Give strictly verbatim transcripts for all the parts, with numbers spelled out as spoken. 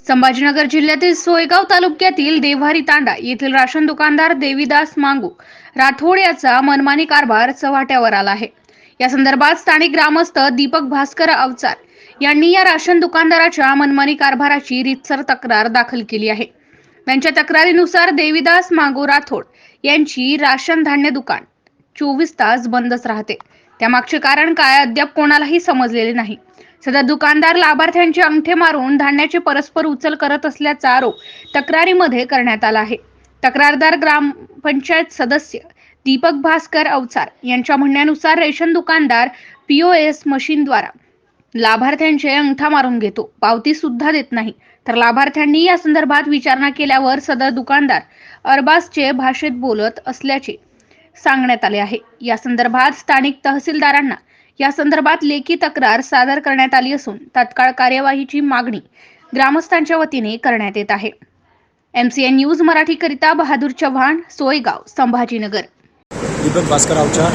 संभाजीनगर जिल्ह्यातील सोयगाव तालुक्यातील देव्हारी तांडा येथील राशन दुकानदार देवीदास मांगू राठोड याचा मनमानी कारभार चव्हाट्यावर आला आहे। या संदर्भात स्थानिक ग्रामस्थ दीपक भास्कर अवचार यांनी या राशन दुकानदाराच्या मनमानी कारभाराची रीतसर तक्रार दाखल केली आहे। त्यांच्या तक्रारीनुसार देवीदास मांगू राठोड यांची राशन धान्य दुकान चोवीस तास बंदच राहते। त्यामागचे कारण काय अद्याप कोणालाही समजलेले नाही। सदर दुकानदार लाभार्थ्यांचे अंगठे मारून धान्याची परस्पर उचल करत असल्याचा आरोप तक्रारीमध्ये करण्यात आला आहे। तक्रारदार ग्रामपंचायत सदस्य दीपक भास्कर अवचार यांच्या म्हणण्यानुसार रेशन दुकानदार पीओएस मशीनद्वारा लाभार्थ्यांचे अंगठा मारून घेतो, पावती सुद्धा देत नाही। तर लाभार्थ्यांनी या संदर्भात विचारणा केल्यावर सदर दुकानदार अरबाजचे भाषेत बोलत असल्याचे सांगण्यात आले आहे। या संदर्भात स्थानिक तहसीलदारांना या संदर्भात लेखी तक्रार सादर करण्यात आली असून तात्काळ कार्यवाहीची मागणी ग्रामस्थांच्या वतीने करण्यात येत आहे। एमसीएन न्यूज मराठी करिता बहादूर चव्हाण, सोयगाव, संभाजीनगर। दीपक भास्कर अवचार।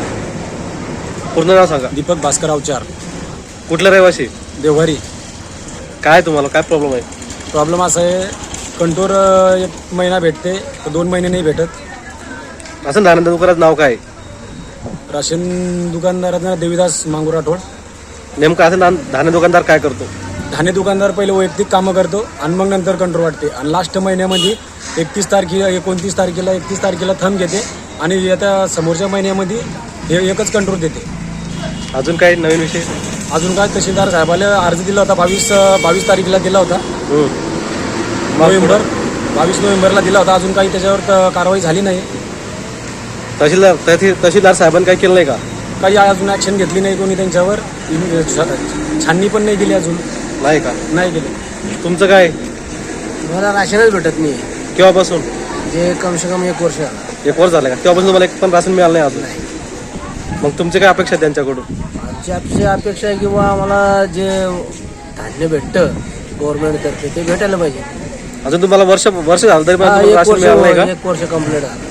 पूर्ण नाव सांगा। दीपक भास्कर अवचार। कुठला रहिवासी? देवघरी। काय तुम्हाला काय प्रॉब्लेम आहे? प्रॉब्लेम असा आहे, कंटोर एक महिना भेटते तर दोन महिने नाही भेटत। असं धान्य दुकानाचं नाव काय? राशन दुकानदारांना देवीदास मांगू राठोड। नेमकं असं धान्य दुकानदार काय करतो? धान्य दुकानदार पहिले वैयक्तिक कामं करतो आणि मग नंतर कंट्रोल वाटते आणि लास्ट महिन्यामध्ये एकतीस तारखेला एकोणतीस तारखेला एकतीस तारखेला थंब घेते आणि येत्या समोरच्या महिन्यामध्ये हे एकच कंट्रोल देते। अजून काही नवीन विषय? अजून काय, तहसीलदार साहेबाला अर्ज दिला होता, बावीस बावीस तारखेला दिला होता, नोव्हेंबर बावीस नोव्हेंबरला दिला होता। अजून काही त्याच्यावर कारवाई झाली नाही। तहसीलदार तहसीलदार साहेबांनी काय केलं नाही का? काही अजून ॲक्शन घेतली नाही कोणी त्यांच्यावर, छाननी पण नाही केली अजून। नाही का? नाही केली। तुमचं काय? मला राशनच भेटत नाही। केव्हापासून? जे कम से कम एक वर्ष झालं। एक वर्ष झालं का? तेव्हापासून तुम्हाला एक पण राशन मिळालं नाही अजून? मग तुमची काय अपेक्षा आहे त्यांच्याकडून? आमची आपली अपेक्षा आहे किंवा आम्हाला जे धान्य भेटतं गव्हर्नमेंटतर्फे ते भेटायला पाहिजे। अजून तुम्हाला वर्ष वर्ष झालं तरी पण हा, तुम्हाला एक राशन वर्ष मिळालं नाही का? एक वर्ष कंप्लीट झालं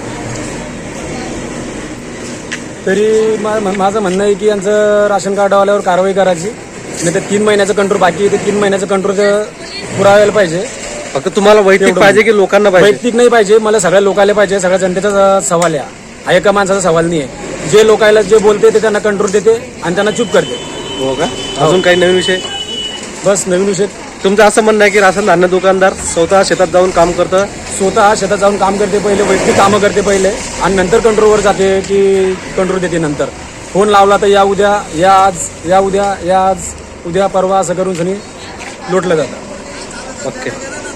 तरी मा- माझं म्हणणं आहे की यांचं राशन कार्ड आल्यावर कारवाई करायची, नाही तर तीन महिन्याचं कंट्रोल बाकी आहे, ते तीन महिन्याचं कंट्रोल पुरावायला पाहिजे। फक्त तुम्हाला वैयक्तिक तेवढं पाहिजे की लोकांना पाहिजे? वैयक्तिक नाही पाहिजे, मला सगळ्या लोकायला पाहिजे। सगळ्या जनतेचा सवाल आहे हा, एका माणसाचा सवाल नाही आहे। जे लोकायला जे बोलते ते त्यांना कंट्रोल देते आणि त्यांना चूप करते। हो का? अजून काही नवीन विषय? बस नवीन विषय तुमचं असं म्हणणं आहे की राशन धान्य दुकानदार स्वतः शेतात जाऊन काम करतं? स्वतः शेतात जाऊन काम करते, पहिले वैयक्तिक कामं करते पहिले आणि नंतर कंट्रोलवर जाते की कंट्रोल देते नंतर। फोन लावला तर या उद्या, या आज, या उद्या, या आज, उद्या परवा असं करून सनी लोटलं जातं। ओके।